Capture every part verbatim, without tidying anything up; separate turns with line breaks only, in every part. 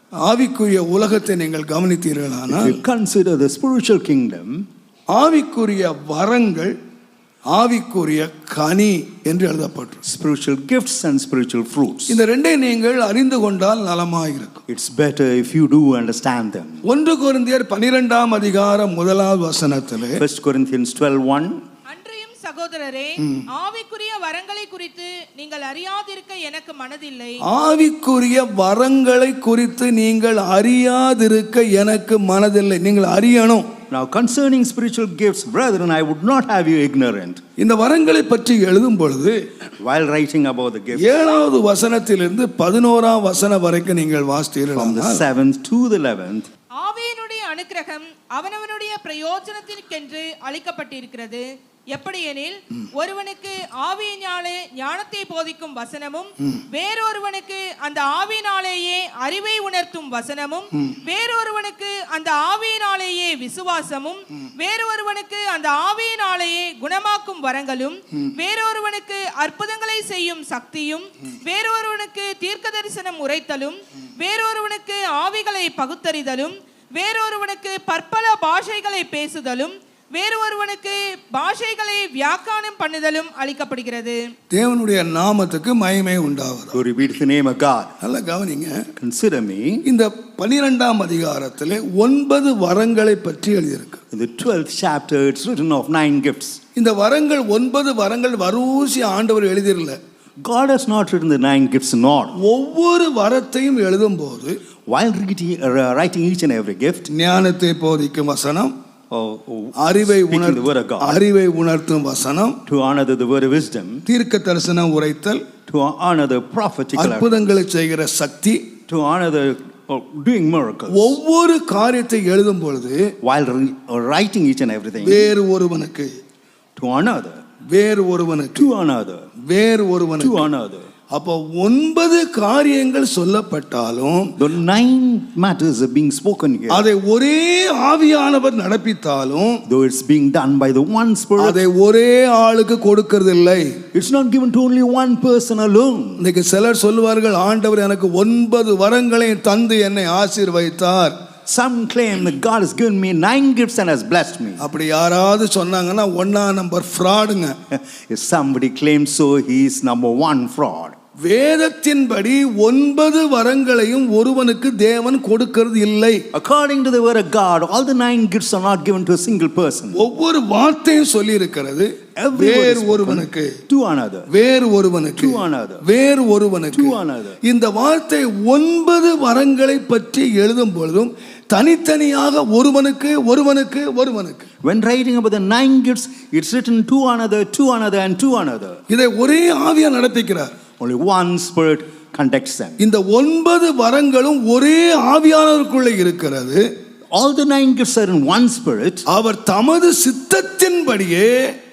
ஆவிக்குரிய உலகத்தை நீங்கள் கவனித்தீர்களானால்,
if you consider the spiritual kingdom,
ஆவிக்குரிய வரங்கள் ஆவிக்குரிய கனி என்று எழுதப்பட்டிருக்கு.
spiritual gifts and spiritual fruits.
இந்த ரெண்டை நீங்கள் அறிந்து கொண்டால் நலமாயிருக்கும்.
It's better if you do understand them.
ஒன்று கொரிந்தியர் பன்னிரண்டாம் அதிகாரம் முதலாவது வசனத்திலே,
First Corinthians twelve one,
அன்றையும் சகோதரரே, ஆவிக்குரிய வரங்களை குறித்து நீங்கள் அறியாதிருக்க எனக்கு மனதில்லை.
ஆவிக்குரிய வரங்களை குறித்து நீங்கள் அறியாதிருக்க எனக்கு மனதில்லை. நீங்கள் அறியணும்.
now concerning spiritual gifts, brethren, I would not have you ignorant.
இந்த வரங்களை பற்றி எழுதும் பொழுது
while writing about the gifts,
ஏழாவது வசனத்திலிருந்து பதினோராம் வசனம் வரைக்கும் நீங்கள்
from the
வாசித்தீர்கள்.
seventh to the eleventh,
ஆவியினுடைய அனுக்கிரகம் அவனவனுடைய பிரயோஜனத்திற்கென்று அளிக்கப்பட்டிருக்கிறது. எப்படியெனில், ஒருவனுக்கு ஆவியினாலே ஞானத்தை போதிக்கும் வசனமும், வேறொருவனுக்கு அந்த ஆவியினாலேயே அறிவை உணர்த்தும் வசனமும், வேறொருவனுக்கு அந்த ஆவியினாலேயே விசுவாசமும், வேறொருவனுக்கு அந்த ஆவியினாலேயே குணமாக்கும் வரங்களும், வேறொருவனுக்கு அற்புதங்களை செய்யும் சக்தியும், வேறொருவனுக்கு தீர்க்க தரிசனம் உரைத்தலும், வேறொருவனுக்கு ஆவிகளை பகுத்தறிதலும், வேறொருவனுக்கு பற்பல பாஷைகளை பேசுதலும், வேறொருவனுக்கு பாஷைகளை வியாக்கியானம் பண்ணுதலும் அளிக்கப்படுகிறது.
தேவனுடைய நாமத்துக்கு மகிமை உண்டாவதாக.
glory be to the name of God.
நல்லா கவனிங்க.
Consider me.
இந்த பன்னிரெண்டாம் அதிகாரத்திலே ஒன்பது வரங்களை பற்றி எழுதியிருக்கு.
In the twelfth chapter, it's written of nine gifts.
இந்த வரங்கள் ஒன்பது வரங்கள் வரூசி ஆண்டவர் எழுதிரல.
God has not written the nine gifts in order.
ஒவ்வொரு வரத்தையும் எழுதும் போது,
while reading, uh, writing each and every gift,
ஞானத்தை போதிக்கும் வசனம்,
oh, oh,
அறிவை
speaking the word of
உணர்த்தும்
God,
அறிவை உணர்த்தும் வசனம்,
to honor the, the word of wisdom,
தீர்க்க தரிசனம் உரைத்தல்,
to honor the prophetical,
அற்புதங்களை செய்கிற சக்தி,
to honor the oh, doing miracles.
ஒவ்வொரு காரியத்தை எழுதும் பொழுது,
while re- uh, writing each and everything,
வேறு ஒருவனுக்கு,
to honor the,
வேறு ஒருவனுக்கு,
to honor the,
வேறு
to
ஒருவனுக்கு.
honor the.
அப்போ ஒன்பது காரியங்கள் சொல்லப்பட்டாலும்,
the nine matters are being spoken here,
அதை ஒரே ஆவியானவர் நடப்பித்தாலும்,
though it's being done by the one Spirit,
அதை ஒரே ஆளுக்கு கொடுக்கிறது இல்லை.
it's not given to only one person alone.
இன்னைக்கு சிலர் சொல்லுவார்கள், ஆண்டவர் எனக்கு ஒன்பது வரங்களை தந்து என்னை ஆசீர்வதித்தார்.
Some claim that God has given me nine gifts and has blessed me.
அப்படி யாராவது சொன்னாங்கன்னா ஒன்னா நம்பர் ஃப்ராடுங்க.
If somebody claims so, he is number one fraud.
வேதத்தின்படி ஒன்பது வரங்களையும் ஒருவனுக்கு தேவன் கொடுக்கிறது இல்லை.
According to the word of God, all the nine gifts are not given to a single person.
ஒவ்வொரு வார்த்தையும் சொல்லி இருக்கிறது, வேறு ஒருவனுக்கு,
to another,
வேறு ஒருவனுக்கு,
to another,
வேறு ஒருவனுக்கு.
to another.
இந்த வார்த்தை ஒன்பது வரங்களை பற்றி எழுதும் பொழுதும் தனித்தனியாக ஒருவனுக்கு ஒருவனுக்கு ஒருவனுக்கு.
when writing about the nine gifts, it's written to another, to another and to another.
இதை ஒரே ஆவியா நடப்பிக்கிறார்.
Only one Spirit conducts them.
இந்த ஒன்பது வரங்களும் ஒரே ஆவியானவருக்குள்ளே இருக்கிறது.
all the nine gifts are in one Spirit.
அவர் தமது சித்தத்தின்படியே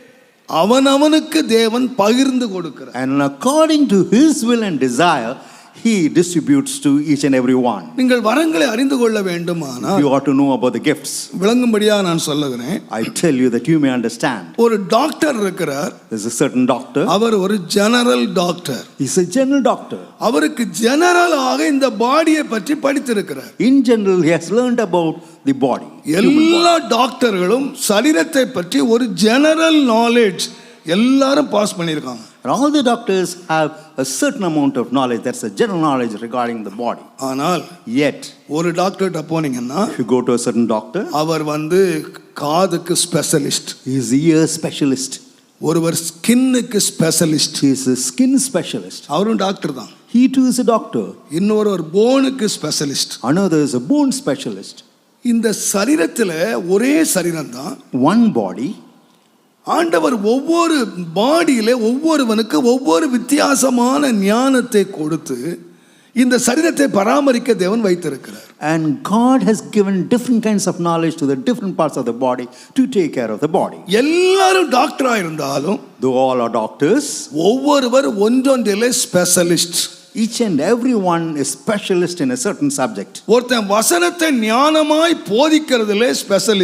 அவனவனுக்கு தேவன் பகிர்ந்து கொடுக்கிறார்.
and according to his will and desire, he distributes to each and every one.
நீங்கள் வரங்களை அறிந்து கொள்ள வேண்டுமானால்,
you ought to know about the gifts.
விளங்கும்படியாக நான் சொல்லுகிறேன்.
I tell you that you may understand.
ஒரு டாக்டர் இருக்கிறார்.
There's a certain doctor.
அவர் ஒரு general doctor.
He's a general doctor.
அவருக்கு ஜெனரலாக இந்த பாடியை பற்றி படித்திருக்கிறார்.
In general, he has learned about the body.
எல்லா டாக்டர்களும் சரீரத்தை பற்றி ஒரு ஜெனரல் நாலேஜ் எல்லாரும் பாஸ் பண்ணியிருக்காங்க.
And all the doctors have a certain amount of knowledge. That's a general knowledge regarding the body.
ஆனால்
Yet,
ஒரு டாக்டர்கிட்ட போனீங்கன்னா,
if you go to a certain doctor,
அவர் வந்து காதுக்கு specialist,
he is a ear specialist.
ஒருவர் ஸ்கின்னுக்கு specialist,
He is a skin specialist.
அவரும் டாக்டர் தான்.
He too is a doctor.
இன்னொரு ஒரு போனுக்கு specialist.
Another is a bone specialist.
இந்த சரீரத்தில் ஒரே சரீரம் தான்,
One body.
ஆண்டவர் ஒவ்வொரு பாடியில ஒவ்வொருவனுக்கு ஒவ்வொரு வித்தியாசமான ஞானத்தை கொடுத்து இந்த சரீரத்தை பராமரிக்க தேவன் வைத்திருக்கிறார்.
And God has given different kinds of knowledge to the different parts of the body to take care of the body.
எல்லாரும் டாக்டரா இருந்தாலும்,
Though all are doctors,
ஒவ்வொருவர் ஒன்றொன்றிலே specialist.
each and every one is specialist in a certain subject.
ஒருத்தன் வசனத்தை ஞானமாய் போதிக்கிறதுலே specialist.
To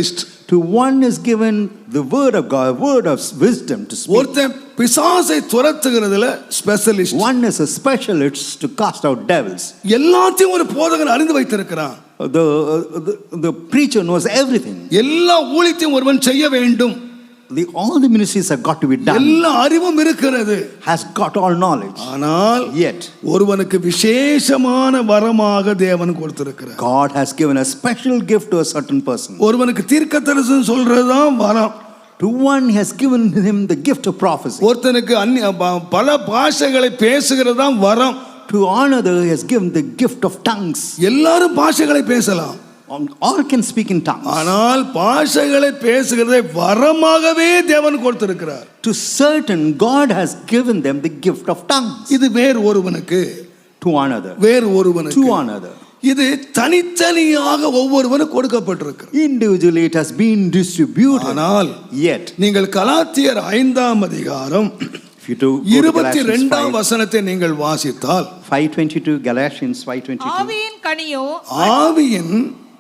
To one is given the word of God, word of wisdom to speak.
ஒருத்தன் பிசாசை துரத்துகிறதுல specialist.
One is a specialist to cast out devils.
எல்லாத்தையும் ஒரு போதகன் அறிந்து வைத்திருக்கிறான்.
The, uh, the, the preacher knows everything.
எல்லா ஊழியத்தையும் ஒருவன் செய்ய வேண்டும்.
The, all the ministries have got to be done.
எல்லா அறிவும் இருக்கிறது.
Has got all knowledge.
ஆனால்
Yet
ஒருவனுக்கு விசேஷமான வரமாக தேவன் கொடுத்திருக்கிறார்.
God has given a special gift to a certain person.
ஒருவனுக்கு தீர்க்கதரிசனம் சொல்றதுதான் வரம்.
To one he has given him the gift of prophecy.
ஒருத்தனுக்கு அந்நிய பல பாஷைகளை பேசுகிறது தான் வரம்.
To another he has given the gift of tongues.
எல்லாரும் பாஷைகளை பேசலாம்.
All can speak in tongues.
ஆனால் பாஷைகளை பேசுகிறதை வரமாகவே தேவன் கொடுத்திருக்கிறார்.
To certain God has given them the gift of tongues.
இது வேறு ஒருவனுக்கு,
to another,
வேறு ஒருவனுக்கு,
to another.
இது தனித்தனியாக ஒவ்வொருவனுக்கு கொடுக்கப்பட்டிருக்கிறது.
Individually it has been distributed.
ஆனால்
Yet
நீங்கள் கலாத்தியர் ஐந்தாம் அதிகாரம் இருபத்தி இரண்டாம் வசனத்தை நீங்கள் வாசித்தால்
five twenty-two Galatians five twenty-two
ஆவியின் கனியோ
ஆவியின்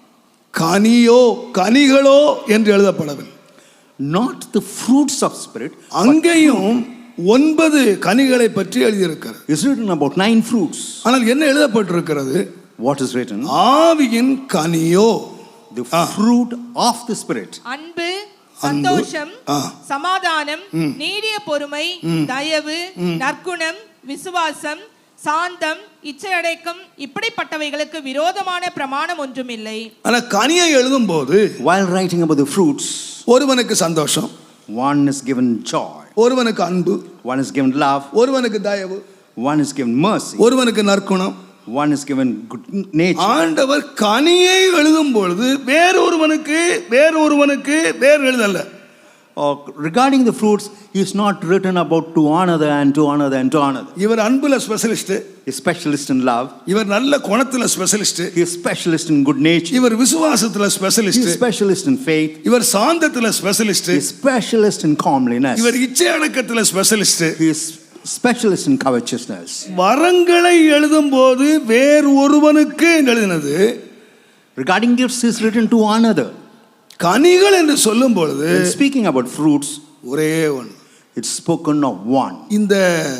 கனியோ கனிகளோ என்று எழுதப்படவில்லை.
not the fruits of spirit.
அங்கேயும் ஒன்பது கனிகளை பற்றி எழுதியிருக்கிறது.
Is written about nine fruits.
ஆனால் என்ன எழுதப்பட்டிருக்கிறது?
What is written?
ஆவியின் கனியோ,
the fruit of the spirit.
அன்பு, சந்தோஷம், சமாதானம், நீடிய பொறுமை, தயவு, நற்குணம், விசுவாசம், சாந்தம், இச்சையடக்கம், இப்படிப்பட்டவைகளுக்கு விரோதமான பிரமாணம் ஒன்றுமில்லை.
ஆனா கனியை எழுதும்போது
while writing about the fruits,
ஒருவனுக்கு சந்தோஷம்,
one is given joy,
ஒருவனுக்கு அன்பு,
one is given love,
ஒருவனுக்கு தயவு,
one is given mercy,
ஒருவனுக்கு நற்குணம்,
one is given good nature.
ஆண்டவர் கனியை எழுதும் பொழுது வேறொருவனுக்கு வேறொருவனுக்கு வேறு எழுதல்ல.
Or regarding the fruits, he is not written about to another and to another and to another.
இவர் அன்புல specialist,
He is specialist in love.
இவர் நல்ல குணத்துல specialist,
He is specialist in good nature.
இவர் விசுவாசத்துல
He
specialist,
is specialist in faith.
இவர் சாந்தத்துல specialist,
He is specialist in calmliness.
இவர் இச்சை அடக்கத்துல specialist.
He is specialist in covetousness.
வரங்களை எழுதும் போது வேறு ஒருவனுக்கு எழுதினது.
Regarding gifts, is written to another.
கனிகள் என்று சொல்லும் பொழுது
When speaking about fruits,
ஒரே ஒன்று,
it's spoken of one.
இந்த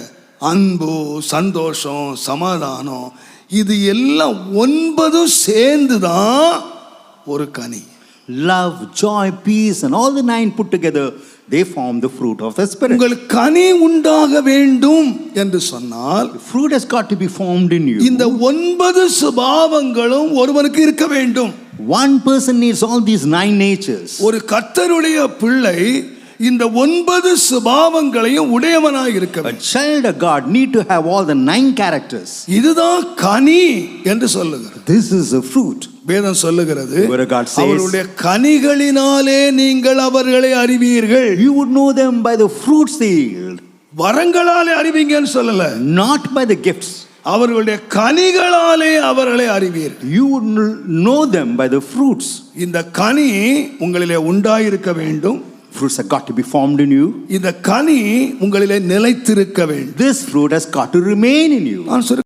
அன்பு, சந்தோஷம், சமாதானம், இது எல்லாம் ஒன்பதும் சேர்ந்து தான் ஒரு கனி.
Love, joy, peace, and all the nine put together, they form the fruit of the Spirit.
உங்கள் கனி உண்டாக வேண்டும் என்று சொன்னால்
The fruit has got to be formed in you.
இந்த ஒன்பது சுபாவங்களும் ஒருவனுக்கு இருக்க வேண்டும்.
One person needs all these nine natures.
ஒரு கர்த்தருடைய பிள்ளை இந்த ஒன்பது சுபாவங்களையும் உடையவனாய் இருக்க
A
வேண்டும்.
child of God need to have all the nine characters.
இதுதான் கனி என்று சொல்லுகிறது.
This is a fruit.
வேதம் சொல்லுகிறது,
Word of God says,
அவருடைய கனிகளினாலே நீங்கள் அவர்களை அறிவீர்கள்.
You would know them by the fruits they yield.
வரங்களாலே அறிவீங்கன்னு சொல்லல,
Not by the gifts.
அவர்களுடைய கனிகளாலே அவர்களை அறிவீர்கள்.
You would know them by the fruits.
இந்த கனி உங்களிலே உண்டாயிருக்க வேண்டும்.
Fruits have got to be formed in you.
இந்த கனி உங்களிலே நிலைத்திருக்க வேண்டும்.
This fruit has got to remain in you.
நான்